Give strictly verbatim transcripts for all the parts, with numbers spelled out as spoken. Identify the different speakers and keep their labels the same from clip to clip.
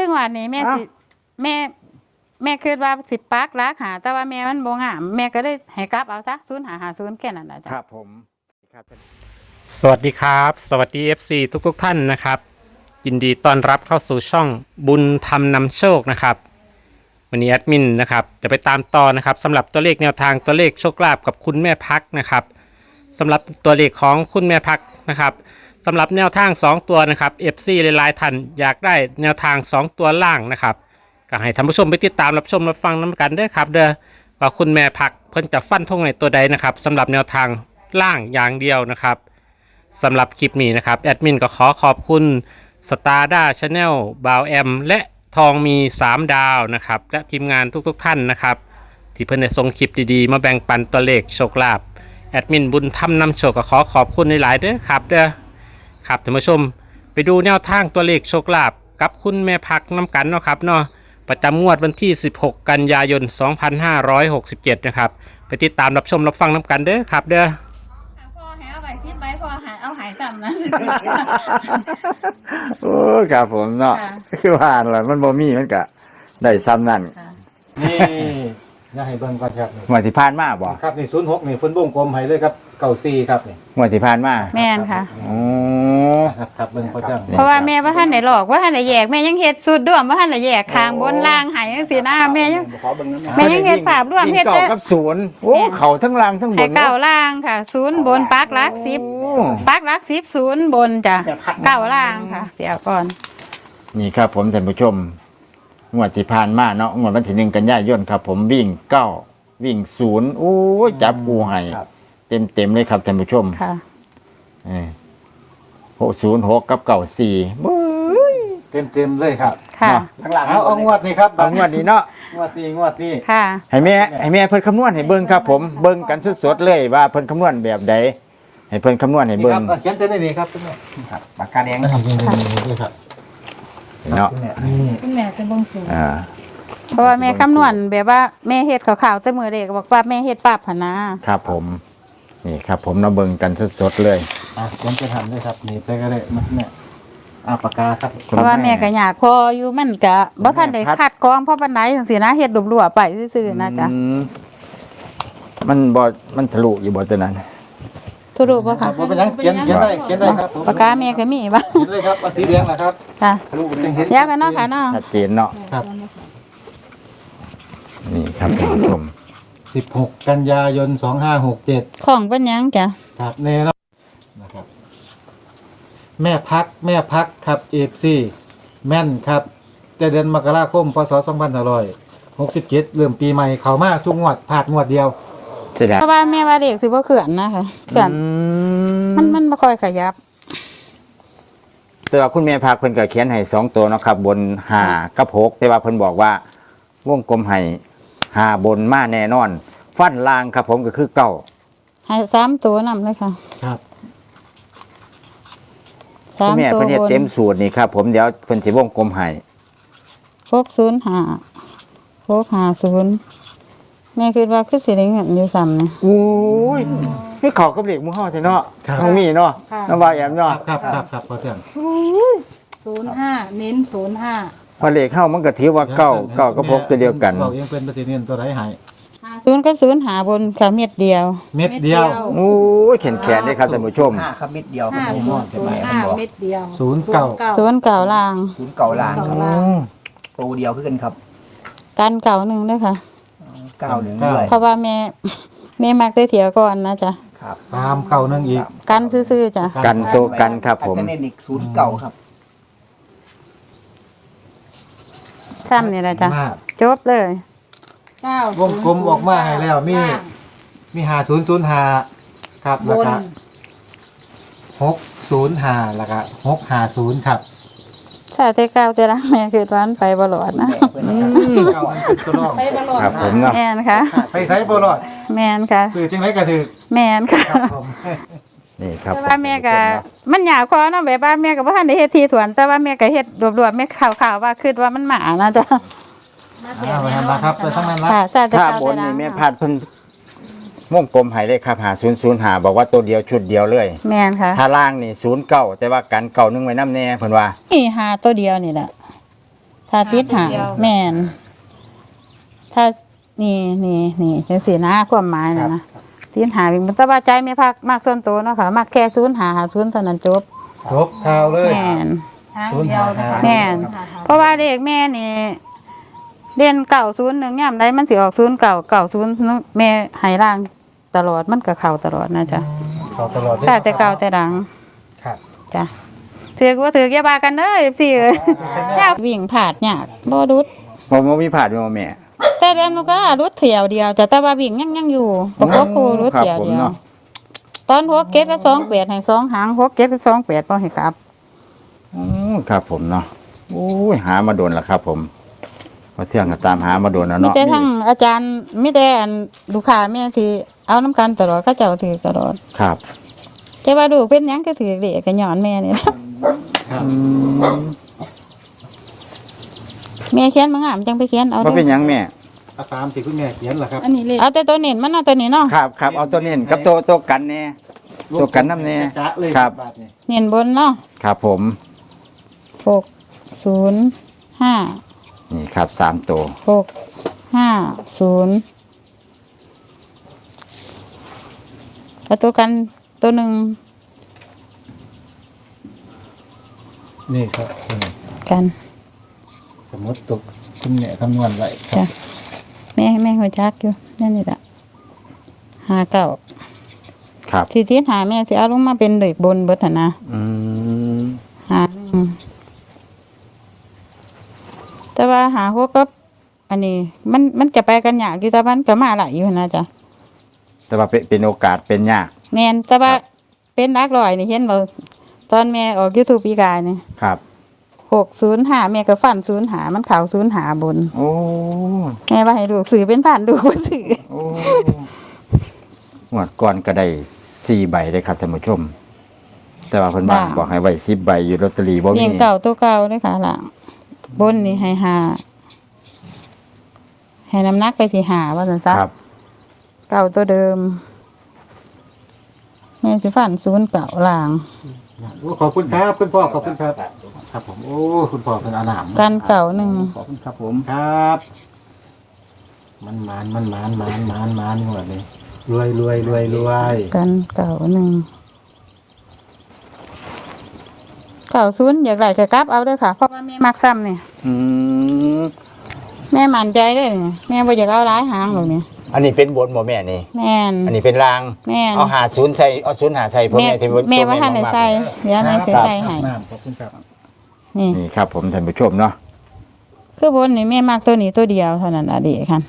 Speaker 1: งวันนี้แม่สิแม่แม่คิดว่าสิปักรักหาแต่ว่าแม่มันบ่งามแม่ก็ได้ให้กลับเอาซะศูนย์หาหาศูนย์แค่นั้นนะจ๊ะ
Speaker 2: ครับผมครับ
Speaker 3: สวัสดีครับสวัสดี เอฟ ซี ทุกทุกท่านนะครับยินดีต้อนรับเข้าสู่ช่องบุญธรรมนำโชคนะครับวันนี้แอดมินนะครับจะไปตามต่อนะครับสำหรับตัวเลขแนวทางตัวเลขโชคลาภกับคุณแม่พักนะครับสำหรับตัวเลขของคุณแม่พักนะครับสำหรับแนวทางสองตัวนะครับ เอฟ ซี หลายๆท่านอยากได้แนวทางสองตัวล่างนะครับก็ให้ท่านผู้ชมไปติดตามรับชมรับฟังน้ำกันด้วยครับเด้อว่าคุณแม่พักเพิ่นจะฟันธงในตัวใดนะครับสำหรับแนวทางล่างอย่างเดียวนะครับสำหรับคลิปนี้นะครับแอดมินก็ขอขอบคุณสตาร์ด้าชาแนลบาวแอมและทองมีสามดาวนะครับและทีมงานทุกๆ ท่านนะครับที่เพิ่นได้ส่งคลิปดีๆมาแบ่งปันตัวเลขโชคลาภแอดมินบุญธรรมนำโชคก็ขอขอบคุณหลายๆเด้อครับเด้อครับท่านผู้ชมไปดูแนวทางตัวเลขโชคลาภกับคุณแม่พักน้ำกันเนาะครับเนาะประจำงวดวันที่สิบหกกันยายนสองพันห้าร้อยหกสิบเจ็ดนะครับไปติดตามรับชมรับฟังน้ำกันเด้อครับเด้อ
Speaker 1: พ่อหายเอาไปซิดไปพ่อหายเอาหายซ้ำนะ
Speaker 2: โอ้ครับผมเนาะคือว่าอะไรมันบ่มีมันก็ได้ซ้ำนั่น
Speaker 4: นี่อย่าให้เบิ่งก่อนครับ
Speaker 2: งวดที่ผ่านมาบ่
Speaker 4: ครับนี่ศูนย์หกนี่ฝนวงกลมให้เลยครับเก้าสี่ครับนี่
Speaker 2: งวดที่ผ่านมา
Speaker 1: แม่นค่ะ
Speaker 2: โอ้
Speaker 4: ครับครับเบิ่งพ่อจ้า
Speaker 1: เพราะว่าแม่ว่าท่านไหนหลอกว่าท่านไหนแยกแม่ยังเฮ็ดสุดร่วมว่าท่านไหนแยกคางบนล่างหายจังซี่นะแม่ยังแม่ยังเฮ็ดภาพร่วมเฮ็ด
Speaker 2: เก้ากับศูนย์โอ้เขาทั้งล่างทั้งบน
Speaker 1: ให้เก้าล่างค่ะศูนย์บนปักรักสิบปักรักสิบศูนย์บนจ้ะเก้าล่างค่ะเดี๋ยวก่อน
Speaker 2: นี่ครับผมท่านผู้ชมงวดที่ผ่านมาเนาะงวดวันที่หนึ่งกันยายนครับผมวิ่งเก้าวิ่งศูนย์โอ้ยจับกูให้เต็มเต็มเลยครับท่านผู้ชม
Speaker 1: ค่ะ
Speaker 2: หกศูนย์หกกับเก้าสี่
Speaker 4: เต็มเต็มเลยครับ
Speaker 1: ค่ะ
Speaker 4: ข้างหลังเอาเอางวดนี้ครับ
Speaker 2: เอางวดนี้เนาะ
Speaker 4: งวดนี้งวดนี้
Speaker 1: ค่ะ
Speaker 2: ให้แม่ให้แม่เพิ่นคำนวณให้เบิ่งครับผมเบิ่งกันสดๆเลยว่าเพิ่นคำนวณแบบใดให้เพิ่นคำนวณให้เบิ่ง
Speaker 4: เขียนเส้นนี้ครับครับปากกาแดงนะครับนี่ครับ
Speaker 2: เนาะ
Speaker 1: คุณแม่จะบ่งสูง
Speaker 2: อ่า
Speaker 1: เพราะว่าแม่คำนวณแบบว่าแม่เฮ็ดขาวๆแต่มือเด็กบอกว่าแม่เฮ็ดปราบพนะครับ
Speaker 2: ผมนี่ครับผมเราเบิ่งกันสดๆเลย
Speaker 4: อ่ะผมจะทำด้วยครับนี่ไปก็ได้เนี่ยอ่าปากกาครับ
Speaker 1: เพราะว่าแม่ก็อยากพออยู่มันก็บ่ทันได้คัดกรองเพราะปานใดจังซี่นะเฮ็ดรั่วๆไปซื่อๆนะจ๊ะ
Speaker 2: มันบ่มันทะลุอยู่บ่ตัวนั้น
Speaker 1: ทะลุบ่ค่ะ
Speaker 4: บ่เป็นหยังเขียนเขียนได้เขียนได้ครับ
Speaker 1: ปากกาแม่ก็มีบ่
Speaker 4: เขียนเลยครับสีแดงนะครับ
Speaker 1: ค่ะทะลุเป็นเห็นยาวกันเนาะค่ะเนาะ
Speaker 2: ชัดเจนเนาะ
Speaker 4: ครับ
Speaker 2: นี่ครับท่านผู้ชม
Speaker 4: สิบหกกันยายนสองห้าหกเจ็ด
Speaker 1: ของเป็นยังจ้ะ
Speaker 4: ครับแน่เนาะนะครับแม่พักแม่พักครับเอฟซีแม่นครับแต่เดือนมกราคมพศสองพันห้าร้อยหกสิบเจ็ดเริ่มปีใหม่เข้ามาทุกงวดผ่านงวดเดียว
Speaker 1: เพราะว่าแม่ว่าเด็กสิบ่เขื่อนนะคะเขื่อนมันมันบ่ค่อยขยับ
Speaker 2: แต่ว่าคุณแม่พักเพิ่นก็เขียนให้สองตัวเนาะครับบนห้ากับหกแต่ว่าเพิ่นบอกว่าวงกลมให้หาบนมาแน่นอนฟันล่างครับผมก็คือเก้า
Speaker 1: ให้สามตัวนำเลยค่ะ
Speaker 4: ครับ
Speaker 1: สามตัวบน
Speaker 2: แม่เพิ่นเฮ็ดเต็มสูตรนี่ครับผมเดี๋ยวเพิ่นสิวงกลมให้
Speaker 1: หกศูนย์ห้า หกห้าศูนย์แม่คิดว่าคือสิได้เงินอยู่ซ้ำนี่
Speaker 2: โอ้ยคือเขากับเลขหมู่เฮาแท้เนาะต้องมีเนาะน้ำว่าแอมเนาะ
Speaker 4: ครับครับครับพอเทื่อง
Speaker 1: ศูนย์ห้าเน้นศูนย์ห้า
Speaker 2: พอเลขเข้ามันก็ถือว่าเก้าเก้าก็พกตัวเดียวกัน
Speaker 4: เรายังเป็นปฏิเนียนตัวไหนหาย
Speaker 1: ศูนย์กับศูนย์หาบนค่ะเม็ดเดียว
Speaker 4: เม็ดเดียว
Speaker 2: โอ้ยแขนแขนเลยครับท่านผู้ชม
Speaker 5: ห้าครับเม็ดเดียว
Speaker 1: ห้าศูนย์ศูนย์ห้าเม็ดเดียว
Speaker 4: ศูนย์เก่า
Speaker 1: ศูนย์เก่าล่าง
Speaker 5: ศูนย์เก่าล่างครับโปรเดียวขึ้นครับ
Speaker 1: กันเก่าหนึ่งด้วยค่ะ
Speaker 5: เก้าหนึ่งด้วย
Speaker 1: เพราะว่าแม่แม่มักได้เถียวก่อนนะจ๊ะ
Speaker 5: ครับ
Speaker 4: ตามเก่าหนึ่งอีก
Speaker 1: กันซื่อๆจ้ะ
Speaker 2: กันตัวกันครับผม
Speaker 5: เน้นอีกศูนย์เก่าครับ
Speaker 1: ซ้ำนี่แหละจ้ะจบเลย
Speaker 4: เก้าวงกลมออกมาให้แล้วมีมีหาศูนย์ศูนย์หาครับแล้วก็หกศูนย์หาแล้วก็หกหาศูนย์ครับ
Speaker 1: ใช่แต่เก้าแต่ละแม่คือวันไปบลอดนะ
Speaker 2: ครับผมเนาะ
Speaker 1: แมนค่ะ
Speaker 4: ไปไซบลอด
Speaker 1: แมนค่ะ
Speaker 4: สื่อจังไรก็ถือ
Speaker 1: แมนค่ะ
Speaker 2: นี่ครับ
Speaker 1: ว่าแม่ก็มันหยาบคอเนาะแบบว่าแม่ก็บ่ทันได้เฮ็ดทีสวนแต่ว่าแม่ก็เฮ็ดรวบๆแม่ข่าวๆว่าคิดว่ามันหมานะจ๊ะ
Speaker 4: เอาไปทำนะครับไปทั้งนั้นนะ
Speaker 2: ถ้าบนนี่แม่พาดเพิ่นวงกลมให้เลยครับหาศูนย์ศูนย์หาบอกว่าตัวเดียวชุดเดียวเลย
Speaker 1: แม่นค่ะ
Speaker 2: ถ้าล่างนี่ศูนย์เก้าแต่ว่ากันเก่านึงไว้น้ำแน่เพิ่นว่า
Speaker 1: นี่หาตัวเดียวนี่แหละถ้ถ้าติดหาแม่นถ้านี่นี่นี่จังซี่นะความหมายนะนะติดหาวิ่งแต่ว่าใจแม่พักมากส่วนตัวเนาะค่ะมักแค่ศูนย์หาหาศูนย์เท่านั้นจบ
Speaker 4: จบข่าวเลย
Speaker 1: แม่น
Speaker 4: ศูนย์หาหา
Speaker 1: แม่นเพราะว่าเลขแม่นี่เรียนเก่าศูนย์หนึ่งย่ำได้มันสิออกศูนย์เก่าเก่าศูนย์แม่ให้ร่างตลอดมันก็เข้าตลอดนะจ๊ะ
Speaker 4: ข่าวตลอด
Speaker 1: ใช่แต่เก่าแต่ดัง
Speaker 4: ครับ
Speaker 1: จ้ะถือว่าถือแย่าบากันเด้อสิเอ้ยยากวิ่งผาดยากบ่รุด
Speaker 2: ผมบ่มีผ่านบ่แม่
Speaker 1: แต่เรียนมันก็รุดเที่ยวเดียวจ้ะแต่ว่าวิ่งยังยังอยู่ประกบคู่รุดเที่ยวเดียว
Speaker 2: ครับผมเนาะ
Speaker 1: ตอนหัวเก็ดก็สองแปดให้สองหางหัวเก็ดก็สองแปดบ่ให้กลับ
Speaker 2: อืมครับผมเนาะโอ้ยหามาโดนแล้วครับ ผมพอเที่ยงก็ตามหามาโดนแล้ว
Speaker 1: มี
Speaker 2: เนาะ
Speaker 1: แต่ทั้งอาจารย์มีแต่อันลูกค้าแม่ที่เอาน้ำกันตลอดเขาเจ้าถือตลอด
Speaker 2: ครับ
Speaker 1: แต่ว่าดูเป็นหยังก็ถือเด็กก็ย้อนแม่นี่ล่ะ
Speaker 2: อืม
Speaker 1: แม่เขียนมางามจังไปเขียนเอา
Speaker 2: บ่เป็นหยังแม่
Speaker 4: เอาตามที่คุณแม่เขียนล่ะครับ
Speaker 6: อันนี้เลข
Speaker 1: เอาแต่ตัวเน้นมันเอาตัวนี้เนาะ
Speaker 2: ครับครับเอาตัวนี้กับตัวตัวกันแน่ ตัวกันน้ำแน่
Speaker 4: จ๊ะเลย
Speaker 2: ครับ
Speaker 4: บาทนี่
Speaker 1: เน้นบนเนาะ
Speaker 2: ครับผม
Speaker 1: หกศูนย์ห้า
Speaker 2: นี่ครับสามตัว
Speaker 1: หกห้าศูนย์แล้วตัวกันตัวหนึ่ง
Speaker 4: นี่ครับอืม
Speaker 1: กัน
Speaker 4: สมมติตกคุณแม่คำนวณไว้ครั
Speaker 1: จ้ะ
Speaker 4: บ
Speaker 1: แม่แม่หัวจักอยู่นั่นนี่แหละหาเก่า
Speaker 2: ครับ
Speaker 1: ที่ที่หาแม่สิเอาลงมาเป็นเด็กบนเบิดหั่นนะ
Speaker 2: อืม
Speaker 1: หาหนึ่งแต่ว่าหาหกกับอันนี้ มันมันจะไปกันยากอยู่แต่มันก็มาหลายอยู่นะจ๊ะ
Speaker 2: แต่ว่าเป็นเป็นโอกาสเป็นยาก
Speaker 1: แม่นแต่ว่า
Speaker 2: ครับ
Speaker 1: เป็นนักร้อยนี่เห็นบ่ตอนแม่ออก YouTube ปีกายนี่
Speaker 2: ครับ
Speaker 1: หกศูนย์ห้าแม่ก็ฟันศูนย์หามันเข่าศูนย์หาบน
Speaker 2: โอ้
Speaker 1: แม่ว่าให้ลูกสื่อเป็นผ่านดูบ่สื่อ
Speaker 2: โอ้งวดก่อนก็ได้สี่ใบเลยครับท่านผู้ชม แต่ว่าเพิ่นบ้านบอกให้ไว้สิบใบอยู่ลอตเตอรี่บ่
Speaker 1: เพี
Speaker 2: มี
Speaker 1: ยงเก่าตัวเก่าเลยค่ะหลังบนนี่ให้หาให้น้ำหนักไปที่หาว่าซั่นซะ
Speaker 2: ครับ
Speaker 1: เก่าตัวเดิมแม่สิฟันศูนย์เก่าหลัง
Speaker 4: โอ้ขอบคุณครับคุณพ่อขอบคุณครับ ครับผมโอ้คุณพ่อเป็นอาหนาม
Speaker 1: กันเก่าหนึ่ง
Speaker 5: ขอบคุณครับผม
Speaker 4: ครับ มันมานมันมานมานมานมานนี่หมดเลยรวยรวยรวยรวย
Speaker 1: กันเก่าหนึ่งเก่าศูนย์อยากได้ก็กลับเอาเด้อค่ะเพราะว่าแม่มักซ้ำนี่
Speaker 2: อืม
Speaker 1: แม่มั่นใจเลยนี่แม่บ่อยากเอาหลายหางหรอกนี่
Speaker 2: อันนี้เป็นบนบ่แม่นี่
Speaker 1: แม่น
Speaker 2: อันนี้เป็นราง
Speaker 1: แม่น
Speaker 2: เอาหาศูนย์ใส่เอาศูนย์หาใส่พ่อ
Speaker 1: แม่
Speaker 2: แม่ที่บ่
Speaker 1: แม่ว่าท่านได้ใส่เดี๋ยวแม่สิใส่ให้
Speaker 4: น้ำขอบคุณครับ
Speaker 1: นี่
Speaker 2: นี่ครับผมท่านผู้ชมเนาะ
Speaker 1: คือบนนี่แม่มักตัวนี้ตัวเดียวเท่านั้นอะเดีค่ะ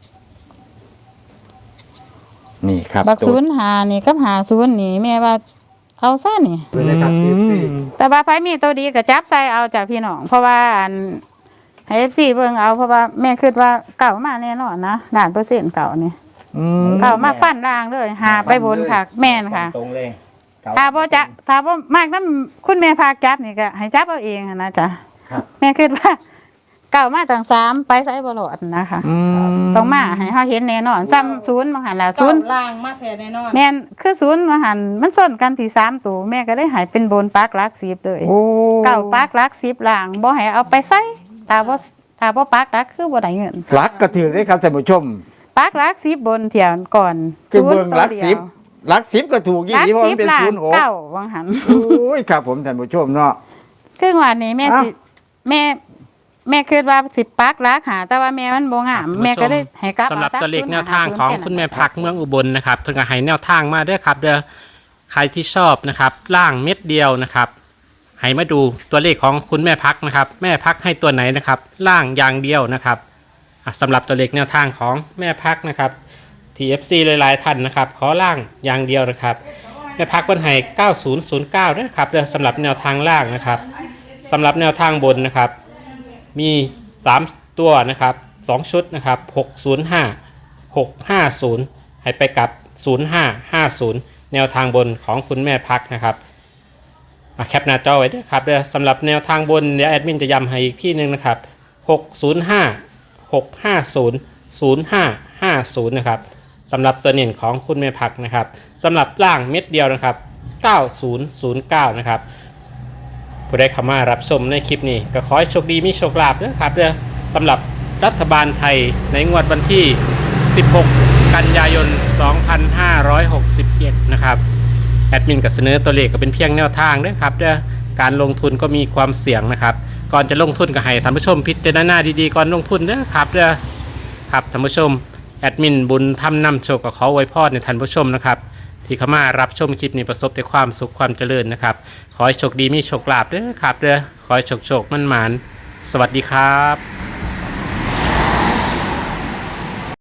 Speaker 2: นี่ครับ
Speaker 1: บัก
Speaker 2: ตัว
Speaker 1: ศูนย์หานี่กับหาศูนย์นี่แม่ว่าเอาซะนี่
Speaker 4: ไปเลยครับ เอฟ ซี
Speaker 1: แต่ว่าไผมีตัวดีก็จับใส่เอาจากพี่น้องเพราะว่าอันให้ เอฟ ซี เบิ่งเอาเพราะว่าแม่คิดว่าเก่ามาแน่นอนนะล้านเปอร์เซ็นต์เก่านี่
Speaker 2: อืม
Speaker 1: เก่ามาฟันล่างเลยหาไปบนค่ะ แม่นค่ะ
Speaker 5: ตรงเลย
Speaker 1: ถ้าบ่จะถ้าบ่มากนำคุณแม่พาจับนี่ก็ให้จับเอาเองหั้นนะจ๊ะ
Speaker 4: ครับ
Speaker 1: แม่คิดว่า เก่ามาตั้งสามไปไสบ่รอดนะคะ
Speaker 2: อืม
Speaker 1: ต้องมาให้เฮาเห็นแน่นอนจำศูนย์บางหันล่ะศู
Speaker 6: เก้าน
Speaker 1: ย์
Speaker 6: ล่างมาแท้แน่นอน
Speaker 1: แม่นคือศูนย์บางหันมันส้นกันที่สามตัวแม่ก็ได้ใหายเป็นบนปักหลักสิบเลย
Speaker 2: โอ้
Speaker 1: เก่าปักหลักสิบล่างบ่ให้เอาไปใส่ถ้าบ่ถ้าบ่ปักหลักคือบ่ได้เงิน
Speaker 2: รักกระถือได้ครับท่านผู้ชม
Speaker 1: ปักหลักสิบบนเที่ยวก่อน
Speaker 2: คือเบิ่ง
Speaker 1: ตัว
Speaker 2: รัก
Speaker 1: ดียว
Speaker 2: สิบรักสิบก็ถูกยี่
Speaker 1: หลัก
Speaker 2: สิบเพราะ
Speaker 1: สิ
Speaker 2: มั
Speaker 1: บ
Speaker 2: นเป็น
Speaker 1: ล่าง
Speaker 2: ศูนย์หก
Speaker 1: เก้าบางหัน
Speaker 2: โอ้ยครับผมท่านผู้ชมเนาะ
Speaker 1: คืองวดนี้แม่สิ
Speaker 2: อ้าว
Speaker 1: แม่แม่คิดว่าสิปักหลักหาแต่ว่าแม่มันบ่งามแม่ก็ได้ให้กลับ
Speaker 3: สำหรับ
Speaker 1: เอา
Speaker 3: ตัวเลข
Speaker 1: ศูนย์
Speaker 3: แนวทางของ
Speaker 1: ศูนย์
Speaker 3: คุณแม่พักเมืองอุบลนะครับเพิ่งก็ให้แนวทางมาด้วยครับเด้อใครที่ชอบนะครับล่างเม็ดเดียวนะครับให้มาดูตัวเลขของคุณแม่พักนะครับ แม่พักให้ตัวไหนนะครับ ล่างอย่างเดียวนะครับอ่ะสำหรับตัวเลขแนวทางของแม่พักนะครับ ที เอฟ ซี หลายๆท่านนะครับขอล่างอย่างเดียวนะครับแม่พักวันให้เก้าศูนย์ศูนย์เก้าด้วยครับเด้อสำหรับแนวทางล่างนะครับสำหรับแนวทางบนนะครับ มีสามตัวนะครับสองชุดนะครับหกศูนย์ห้า หกห้าศูนย์ให้ไปกับศูนย์ห้า ห้าศูนย์แนวทางบนของคุณแม่พักนะครับมาแคปหน้าจอไว้ด้วยครับเดี๋ยวสำหรับแนวทางบนเดี๋ยวแอดมินจะย้ำให้อีกที่หนึ่งนะครับหกศูนย์ห้า หกห้าศูนย์ ศูนย์ห้า ห้าศูนย์นะครับสำหรับตัวเน่นของคุณแม่พักนะครับสำหรับล่างเม็ดเดียวนะครับเก้าศูนย์ศูนย์เก้านะครับผู้ได้เข้ามารับชมในคลิปนี้ก็ขอให้โชคดีมีโชคลาภเด้อครับเด้อสำหรับรัฐบาลไทยในงวดวันที่สิบหกกันยายนสองพันห้าร้อยหกสิบเจ็ดนะครับแอดมินก็เสนอตัวเลขก็เป็นเพียงแนวทางเด้อครับเด้อการลงทุนก็มีความเสี่ยงนะครับก่อนจะลงทุนก็ให้ท่านผู้ชมพิจารณาดีๆก่อนลงทุนเด้อครับเด้อครับท่านผู้ชมแอดมินบุญทำนำโชคกับขออวยพรในท่านผู้ชมนะครับที่เข้ามารับชมคลิปนี้ประสบแต่ความสุขความเจริญนะครับขอให้โชคดีมีโชคลาภเด้อครับเด้อขอให้โชคโชคมั่นหมานสวัสดีครับ